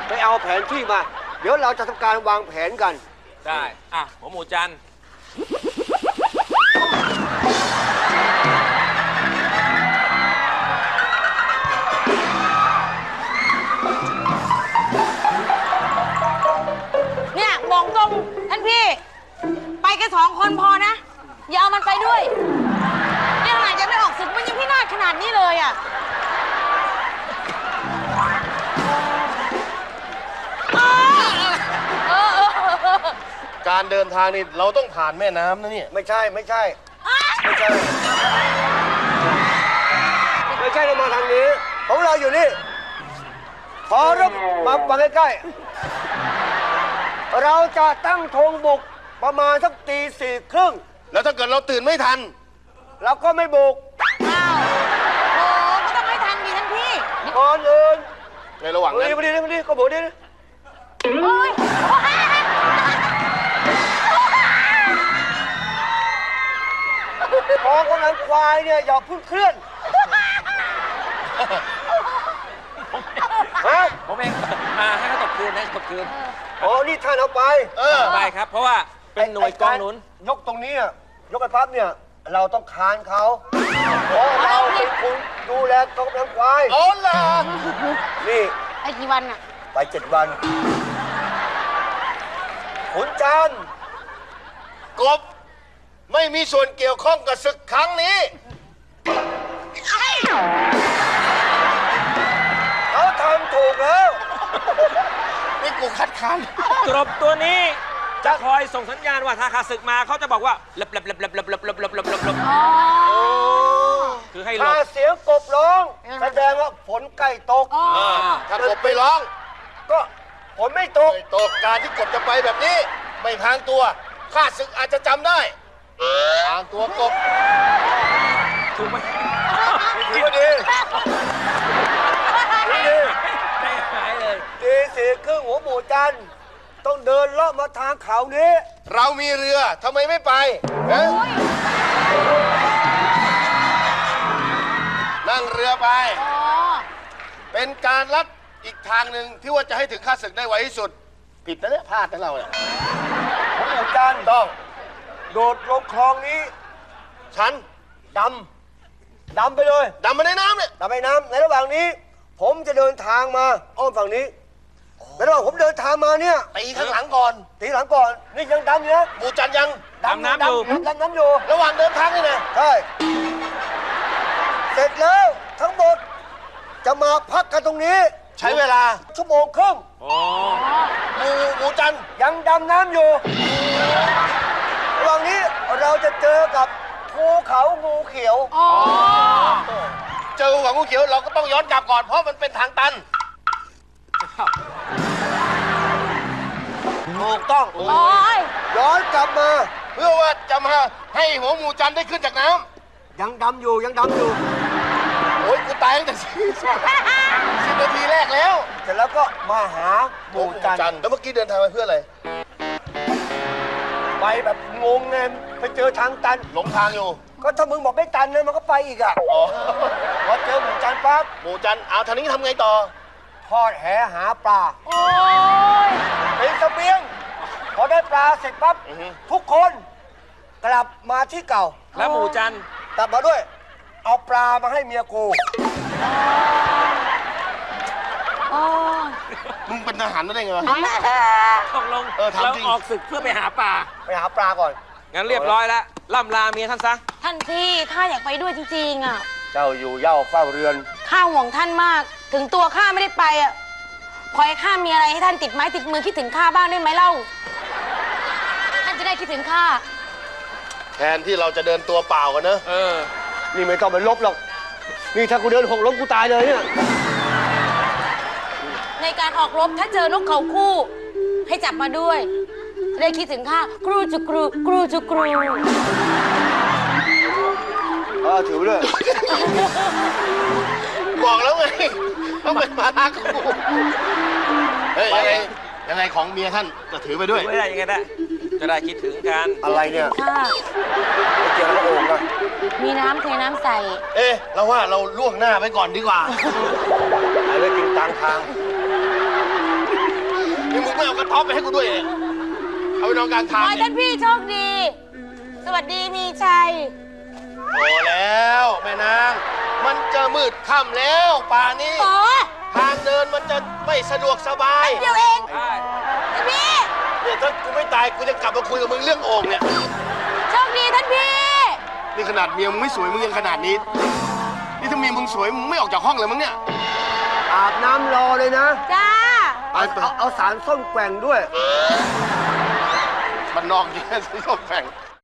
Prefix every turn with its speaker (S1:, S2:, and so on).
S1: ไปเอาแผนที่มา เดี๋ยวเราจะทำการวางแผนกัน
S2: ได้หัวหมูจัน
S3: เนี่ยบอกตรงท่านพี่ ไปแค่2 คนพอนะ อย่าเอามันไปด้วยนี่ขนาดยังไม่ออกศึกมันยังพินาศขนาดนี้เลยอ่ะ
S4: การเดินทางนี่เราต้องผ่านแม่น้ำนะเนี่ย
S1: ไม่ใช่เรามาทางนี้ของเราอยู่นี่ขอรับมาฟังใกล้ๆเราจะตั้งธงบุกประมาณสักตี 4:30
S4: แล้วถ้าเกิดเราตื่นไม่ทัน
S1: เราก็ไม่บุก
S3: อ้าวโอ้ก็ต้องให้ทันดีท่านพี่
S1: ก่อนอื่น
S4: ในระหว่างนั้น
S1: มาดีก็บุกดิ
S3: โอ้ย
S1: พอคนนั้นควายเนี่ยอย่าพึ่งเคลื่อนฮะ
S2: ผมเองให้เขาตบคืน
S1: อ๋อนี่ท่านเอาไป
S2: ไปครับเพราะว่าเป็นหน่วยกองหนุน
S1: ยกตรงนี้ยกไอ้พับเนี่ยเราต้องคานเขาเพราะเราเป็นคนดูแลกองกำลังควาย
S4: อ๋อเหรอ
S1: นี่
S3: ไอ้กี่วันอะ
S1: ไป7 วันขุนจันทร์
S4: กบไม่มีส่วนเกี่ยวข้องกับศึกครั้งนี้
S1: เขาทำถูกแล้ว
S4: นี่กูคัดค้าน
S2: กบตัวนี้จะคอยส่งสัญญาณว่าถ้าข้าศึกมาเขาจะบอกว่าเล็บคือให้หลบ
S1: ถ้าเสียงกบร้องแสดงว่าฝนใกล้ตก
S4: ถ้ากบไปร้อง
S1: ก็ฝนไม่ตก
S4: การที่กบจะไปแบบนี้ไม่พางตัวข้าศึกอาจจะจำได้พางตัวกบ
S2: ถูกไหม
S1: ถือว่าดี
S2: ได้หายเลย
S1: ตี 4:30หัวหมูจันทร์ต้องเดินเลาะมาทางเขานี้
S4: เรามีเรือทำไมไม่ไปนั่งเรือไปเป็นการลัดอีกทางหนึ่งที่ว่าจะให้ถึงข้าศึกได้ไวที่สุดผิดนะเนี่ยพลาดนะเราเนี่ย
S1: หัวหมูจันทร์ต้องโดดลงคลองนี้
S4: ฉัน
S1: ดำไปเลย
S4: ดำมาในน้ำเนี่ย
S1: ดำไปน้ำในระหว่างนี้ผมจะเดินทางมาอ้อมฝั่งนี้ในระหว่างผมเดินทางมาเนี่ย
S4: ตีข้างหลังก่อน
S1: นี่ยังดำอยู่นะ
S4: หมูจันยัง
S2: ดำน้ำ
S1: อยู่
S4: ระหว่างเดินทางนี่นะ
S1: ใช่เสร็จแล้วทั้งหมดจะมาพักกันตรงนี้
S4: ใช้เวลา
S1: 1.5 ชั่วโมง
S4: หมูจัน
S1: ยังดำน้ำอยู่ระหว่างนี้เราจะเจอกับภูเขางูเขียว
S4: เจอภูเขางูเขียวเราก็ต้องย้อนกลับก่อนเพราะมันเป็นทางตัน
S1: ถูกต้องย้อนกลับมา
S4: เพื่อว่าจะมาให้หัวหมูจันได้ขึ้นจากน้
S1: ำยังดำอยู่
S4: โอ้ยกูตายตั้งแต่10 นาทีแรกแล้ว
S1: เสร็จแล้วก็มาหาหมูจัน
S4: แล้วเมื่อกี้เดินทางไปเพื่ออะไร
S1: ไปแบบงงไงไปเจอทางตัน
S4: หลงทางอยู่
S1: ก็ถ้ามึงบอกไม่ตันนะมันก็ไปอีกพอเจอหมูจันปั๊บ
S4: หมูจันเอาทางนี้ทำไงต่อ
S1: ทอดแหหาปลาเป็นเสบียงพอได้ปลาเสร็จปั๊บทุกคนกลับมาที่เก่า
S2: แล้วหมูจัน
S1: กลับมาด้วยเอาปลามาให้เมียกู
S4: มึงเป็นทหารได้ไงวะ
S2: ตกลงเราออกศึกเพื่อไปหาปลาก่อนงั้นเรียบร้อยแล้วล่ำลาเมียท่านซะ
S3: ท่านพี่ข้าอยากไปด้วยจริงๆ
S1: เจ้าอยู่เหย้าเฝ้าเรือน
S3: ข้าห่วงท่านมากถึงตัวข้าไม่ได้ไปขอให้ข้ามีอะไรให้ท่านติดไม้ติดมือคิดถึงข้าบ้างได้ไหมเล่าท่านจะได้คิดถึงข้า
S4: แทนที่เราจะเดินตัวเปล่ากันนะ
S1: นี่ไม่ต้องไปลบหรอกนี่ถ้ากูเดินหกล้มกูตายเลยเนี่ย
S3: ในการออกรบถ้าเจอนกเขาคู่ให้จับมาด้วยจะได้คิดถึงข้าครูจุกรู
S1: ถือไปเลย
S4: บอกแล้วไงต้องเป็นมาลาคู่เฮ้ยยังไงของเมียท่านจะถือไปด้วย
S2: ไม่ได้ยังไงได้จะได้คิดถึงกัน
S1: อะไรเนี่ย
S3: ค่ะ
S1: เกี่ยวกับโอ่งอะ
S3: มีน้ำเทน้ำใส่
S4: เราว่าเราล่วงหน้าไปก่อนดีกว่า
S1: ไปกินกลางทาง
S4: เอากระต๊อบไปให้กูด้วยเนี่ยเอาไปนอนกลาง
S3: ข
S4: ทาง
S3: อให้
S4: เนี่
S3: ท่าย นพี่โชคดี สวัสดีมีชัย
S4: โอ้แล้วแม่นาง มันจะมืดค่ำแล้วป่านี้
S3: โอ้
S4: ทางเดินมันจะไม่สะดวกสบาย
S3: เดียวเอง
S2: ใช่
S3: ท่านพี่
S4: เนี่ยถ้ากูไม่ตายกูจะกลับมาคุยกับมึงเรื่องโอ่งเนี่ย
S3: โชคดีท่านพี่
S4: นี่ขนาดเมียมึงไม่สวยมึงยังขนาดนี้ นี่ถ้าเมียมึงสวยมึงไม่ออกจากห้องเลยมั้งเนี่ย
S1: อาบน้ำรอเลยนะ
S3: จ้า
S1: เอาสารส้มแกว่งด้วย
S4: มันนอกเยอะ ส้มแฝง